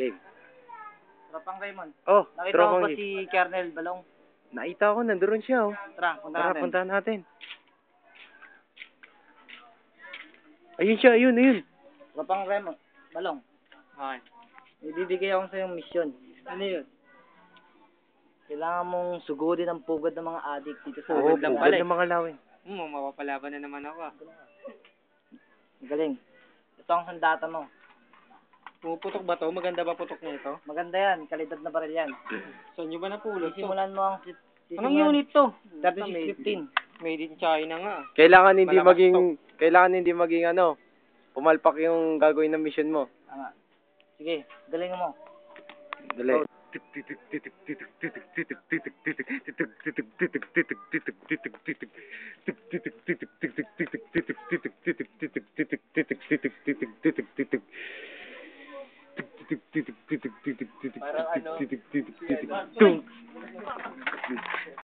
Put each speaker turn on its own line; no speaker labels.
Game.
Tropang Raymond.
Oh,
Nakita mo
tropang
ba
game.
si Kernel Balong?
Nakita ko, nandoon siya, oh.
Tara, punta
Tara,
natin.
puntahan natin. Ayun siya, ayun.
Tropang Raymond. Balong.
Okay.
Ibibigay ako sa yung mission. Ano yun? Kailangan mong sugudin ang pugad ng mga addict dito sa
Oo,
lang
pugad
pala, eh.
ng mga lawin.
Mapapalaban na naman ako, ah.
Galing. Ito ang sandata mo.
Pumuputok ba to? Maganda ba putok na ito?
Maganda yan. Kalidad na baril yan.
Saan nyo ba napulot to?
Sisimulan mo ang...
Anong unit to?
3615.
Made in China nga.
Kailangan hindi
Malakas
maging pumalpak yung gagawin ng mission mo.
Tama. Sige, galing mo.
Dali.
Parang ano?
Tung.